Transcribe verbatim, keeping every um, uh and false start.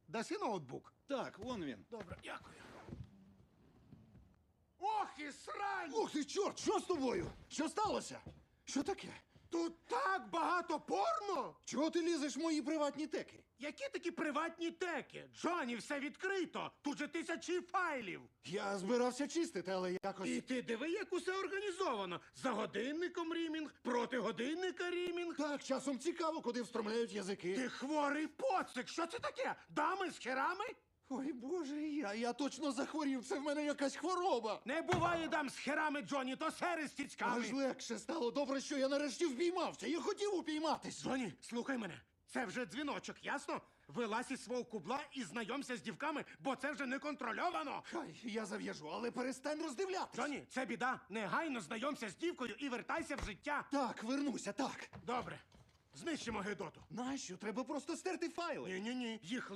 Даси ноутбук? Так, вон він. Добре, дякую. Ох і срань! Ух ти, чорт, що з тобою? Що сталося? Що таке? Тут так багато порно! Чого ти лізеш в мої приватні теки? Які такі приватні теки? Джоні, все відкрито! Тут же тисячі файлів! Я збирався чистити, але якось. І ти диви, як усе організовано. За годинником рімінг, проти годинника рімінг. Так, часом цікаво, куди встромляють язики. Ти хворий поцик! Що це таке? Дами з херами? Ой, боже, я, я точно захворів, це в мене якась хвороба. Не буває дам з херами, Джоні, то сери з тіцьками. Аж легше стало. Добре, що я нарешті впіймався. Я хотів упійматись. Джоні, слухай мене. Це вже дзвіночок, ясно? Вилазь із свого кубла і знайомся з дівками, бо це вже не контрольовано. Хай, я зав'яжу, але перестань роздивлятись. Джоні, це біда. Негайно знайомся з дівкою і вертайся в життя. Так, вернуся, так. Добре. Знищимо Гедоту. Нащо? Треба просто стерти файли. Ні-ні-ні, їх